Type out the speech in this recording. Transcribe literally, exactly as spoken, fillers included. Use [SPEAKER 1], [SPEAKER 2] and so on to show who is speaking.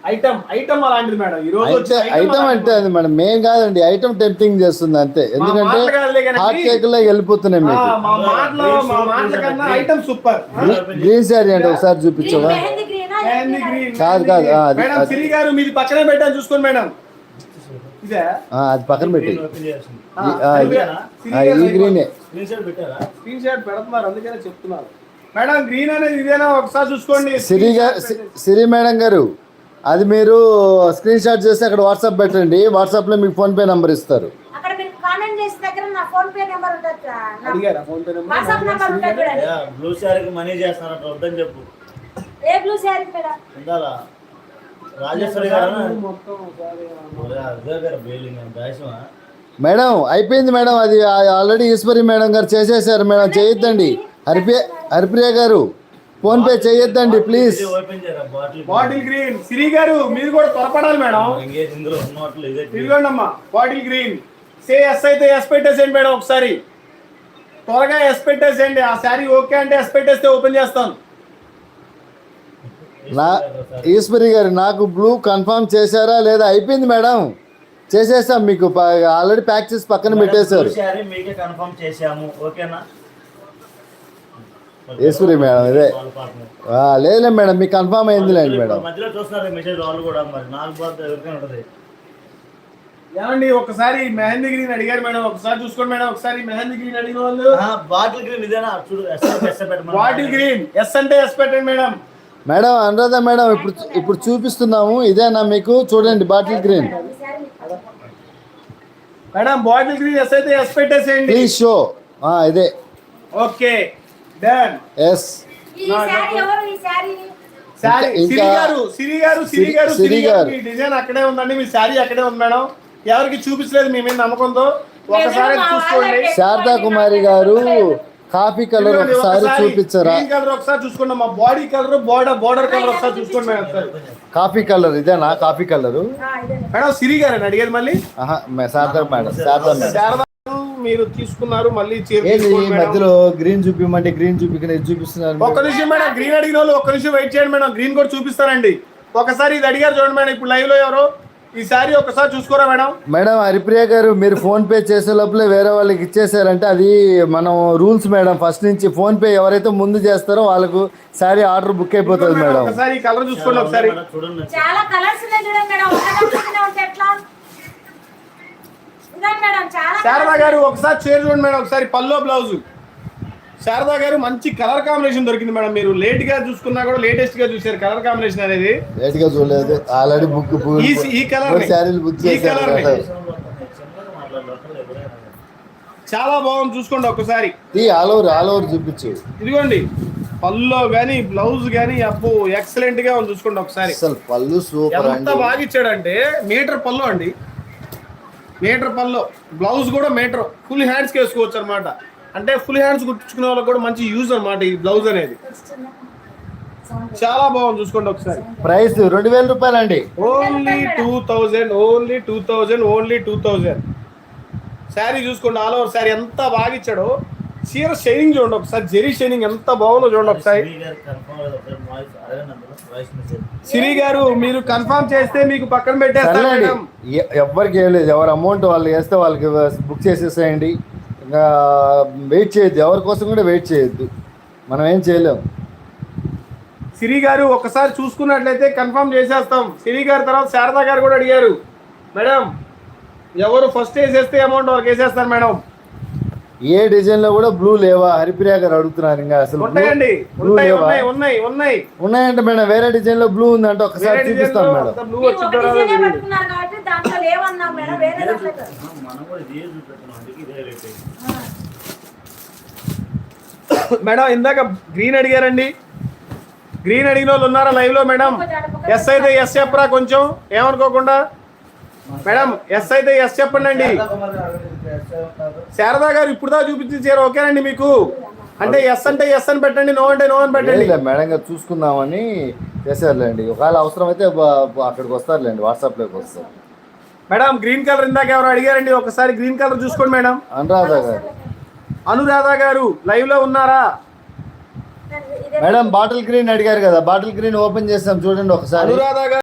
[SPEAKER 1] Item item అలాంటిది madam. ఈ రోజు
[SPEAKER 2] ఐటమ్ అంటే అది మేడం మేం కాదండి, ఐటమ్ టెంప్టింగ్ చేస్తుంది అంతే. ఎందుకంటే హాట్ కేక్ లో వెళ్ళిపోతున్నాయి మీకు.
[SPEAKER 1] Item super.
[SPEAKER 2] గ్రీన్ శారీ అంటే ఒకసారి చూపించవా? కాదు కాదు
[SPEAKER 1] సిరి గారు మీది పక్కనే పెట్టాను చూసుకోండి మేడం.
[SPEAKER 2] అది పక్కన పెట్టి ఈ గ్రీన్
[SPEAKER 1] స్క్రీన్ షాట్ పెడుతున్నారు అందుకనే చెప్తున్నారు మేడం. గ్రీన్ అనేది ఇదేనా ఒకసారి చూసుకోండి.
[SPEAKER 2] సిరి గారు, సిరి మేడం గారు, అది మీరు స్క్రీన్ షాట్ చేసి అక్కడ వాట్సాప్ పెట్టండి. వాట్సాప్ లో మీకు ఫోన్ పే నంబర్ ఇస్తారు. మేడం అయిపోయింది మేడం, అది ఆల్రెడీ ఈశ్వరి మేడం గారు చేసేసారు మేడం. చేయొద్దండి హరిప్రియ హరిప్రియ గారు, ఫోన్ పే చేయొద్దండి ప్లీజ్.
[SPEAKER 1] బాటిల్ గ్రీన్ సిరి గారు మీరు కూడా త్వరపడాలి మేడం. ఇదిగోండి అమ్మా బాటిల్ గ్రీన్. సే ఎస్ అయితే ఎస్ పెట్టేసేయండి మేడం. ఒకసారి త్వరగా ఎస్ పెట్టేసేయండి. ఆ శారీ ఓకే అంటే ఎస్ పెట్టేస్తే ఓపెన్ చేస్తాను.
[SPEAKER 2] నా ఈశ్వరి గారు నాకు బ్లూ కన్ఫర్మ్ చేశారా లేదా? అయిపోయింది మేడం, చేసేసాం. మీకు ఆల్రెడీ ప్యాక్ చేసి పక్కన పెట్టేశారు. ఈశ్వరి మేడం ఇదే లేదులే మేడం, మీకు కన్ఫర్మ్ అయిందిలేండి మేడం.
[SPEAKER 1] ఏమండి ఒకసారి మెహందీ గ్రీన్ అడిగారు మేడం, ఒకసారి చూసుకోండి మేడం. ఒకసారి మెహందీ గ్రీన్ అడిగిన వాళ్ళు
[SPEAKER 3] బాటిల్ గ్రీన్ ఇదేనా చూడు.
[SPEAKER 1] బాటిల్ గ్రీన్ ఎస్ అంటే ఎస్ పెట్టండి మేడం.
[SPEAKER 2] మేడం అనురాధ మేడం ఇప్పుడు ఇప్పుడు చూపిస్తున్నాము, ఇదేనా మీకు? చూడండి bottle green
[SPEAKER 1] madam. Bottle green yes అయితే ఎస్ పెట్టేసేయండి
[SPEAKER 2] ప్లీజ్ షో. ఇదే
[SPEAKER 1] ఓకే డన్.
[SPEAKER 2] ఎస్
[SPEAKER 1] సిరి గారు సిరి గారు సిరి గారు సిరి గారు మీ డిజైన్ అక్కడే ఉందండి, మీ శారీ అక్కడే ఉంది మేడం. ఎవరికి చూపించలేదు మీ మీద నమ్మకంతో. ఒకసారి చూసుకోండి.
[SPEAKER 2] శారదా కుమారి గారు కాఫీ కలర్ ఒకసారి చూపించరా?
[SPEAKER 1] కలర్ ఒకసారి చూసుకోండి. మా body colour border border colour ఒకసారి చూసుకోండి మేడం.
[SPEAKER 2] కాఫీ కలర్ ఇదేనా? కాఫీ కలర్
[SPEAKER 1] మేడం సిరి గారు అడిగేది మళ్ళీ.
[SPEAKER 2] Sharada madam, Sharada madam.
[SPEAKER 1] శారదా మీరు తీసుకున్నారు మళ్ళీ
[SPEAKER 2] మధ్యలో గ్రీన్ చూపించమంటే గ్రీన్ చూపించిన చూపిస్తున్నారు.
[SPEAKER 1] ఒక్క నిమిషం మేడం, గ్రీన్ అడిగిన వాళ్ళు ఒక్క నిమిషం వెయిట్ చేయండి మేడం. గ్రీన్ కూడా చూపిస్తారండి. ఒకసారి ఇది అడిగారు చూడండి మేడం. ఇప్పుడు లైవ్ లో ఎవరు ఈ సారీ ఒకసారి చూసుకోరా మేడం.
[SPEAKER 2] మేడం హరిప్రియ గారు మీరు ఫోన్ పే చేసే లోపలే వేరే వాళ్ళకి ఇచ్చేసారంటే అది మనం రూల్స్ మేడం. ఫస్ట్ నుంచి ఫోన్ పే ఎవరైతే ముందు చేస్తారో వాళ్ళకు సారీ ఆర్డర్ బుక్ అయిపోతుంది మేడం.
[SPEAKER 1] ఒకసారి కలర్ చూసుకోండి. ఒకసారి
[SPEAKER 4] చాలా కలర్స్ ఉన్నాయి చూడండి మేడం.
[SPEAKER 1] శారదా గారు ఒకసారి చీర చూడండి మేడం. ఒకసారి పల్లో బ్లౌజ్. శారదా గారు మంచి కలర్ కాంబినేషన్ దొరికింది మేడం. మీరు లేట్ గా చూసుకున్నా కూడా లేటెస్ట్ గా చూసారు కలర్ కాంబినేషన్ అనేది.
[SPEAKER 2] లేట్ గా చూడలేదు, ఆల్రెడీ బుక్
[SPEAKER 1] ఈ కలర్
[SPEAKER 2] శారీలు బుక్ చేశారు.
[SPEAKER 1] చాలా బాగుంది చూసుకోండి ఒకసారి.
[SPEAKER 2] ఈ ఆల్ ఓవర్ ఆల్ ఓవర్ చూపించు.
[SPEAKER 1] ఇదిగోండి పల్లో గానీ బ్లౌజ్ గానీ అప్పు ఎక్సలెంట్ గా ఉంది చూసుకోండి ఒకసారి.
[SPEAKER 2] అసలు పళ్ళు సూపర్.
[SPEAKER 1] ఎంత బాగా ఇచ్చాడంటే మీటర్ పల్లో అండి. మీటర్ పల్లో బ్లౌజ్ కూడా మీటర్. ఫుల్ హ్యాండ్స్ వేసుకోవచ్చు అనమాట. అంటే ఫుల్ హ్యాండ్స్ కుట్టించుకునే వాళ్ళకి కూడా మంచి యూజ్ అనమాట ఈ బ్లౌజ్ అనేది. చాలా బాగుంది చూసుకోండి ఒకసారి.
[SPEAKER 2] ప్రైస్ రెండు వేల రూపాయలు అండి.
[SPEAKER 1] Only two thousand only two thousand only two thousand sari చూసుకోండి. ఆల్ ఓవర్ శారీ ఎంత బాగా ఇచ్చాడో. చీర షైనింగ్ చూడండి ఒకసారి. జెరీ షైనింగ్ ఎంత బాగుందో చూడండి ఒకసారి. సిరి గారు మీరు కన్ఫర్మ్ చేస్తే మీకు పక్కన పెట్టేస్తాను.
[SPEAKER 2] ఎవరికి వేయలేదు, ఎవరు అమౌంట్ వాళ్ళు వేస్తే వాళ్ళకి బుక్ చేసేసేయండి. ఇంకా వెయిట్ చేయొద్దు, ఎవరి కోసం కూడా వెయిట్ చేయొద్దు, మనం ఏం చేయలేము.
[SPEAKER 1] సిరి గారు ఒకసారి చూసుకున్నట్లయితే కన్ఫర్మ్ చేసేస్తాం. సిరి గారు తర్వాత శారదా గారు కూడా అడిగారు మేడం ఎవరు ఫస్ట్ వేసేస్తే అమౌంట్ వాళ్ళకి వేసేస్తాను మేడం.
[SPEAKER 2] ఏ డిజైన్ లో కూడా బ్లూ లేవా? హరిప్రియ గారు అడుగుతున్నారు. ఇంకా అసలు
[SPEAKER 1] ఉంటాయండి, ఉన్నాయి ఉన్నాయి ఉన్నాయి
[SPEAKER 2] ఉన్నాయంటే మేడం వేరే డిజైన్ లో బ్లూ ఉందంటే ఒకసారి చూపిస్తాను మేడం.
[SPEAKER 1] మేడం ఇందాక గ్రీన్ అడిగారండి. గ్రీన్ అడిగిన వాళ్ళు ఉన్నారా లైవ్ లో? మేడం ఎస్ అయితే ఎస్ చెప్పరా కొంచెం ఏమనుకోకుండా. మేడం ఎస్ అయితే ఎస్ చెప్పండి అండి. శారదా గారు ఇప్పుడు దా చూపించారు ఓకేనండి మీకు? అంటే ఎస్ అంటే ఎస్ అని పెట్టండి, నో అంటే నో అని పెట్టండి.
[SPEAKER 2] మేడం గారు చూసుకుందామని చేశారులేండి. ఒకవేళ అవసరం అయితే అక్కడికి వస్తారులేండి, వాట్సాప్ లోకి వస్తారు.
[SPEAKER 1] మేడం గ్రీన్ కలర్ ఇందాక ఎవరు అడిగారండి, ఒకసారి గ్రీన్ కలర్ చూసుకోండి మేడం.
[SPEAKER 2] అనురాధ గారు
[SPEAKER 1] అనురాధ గారు లైవ్ లో ఉన్నారా?
[SPEAKER 2] మేడం బాటిల్ గ్రీన్ అడిగారు కదా, బాటిల్ గ్రీన్ ఓపెన్ చేస్తాం చూడండి ఒకసారి.
[SPEAKER 1] అనురాధ గారు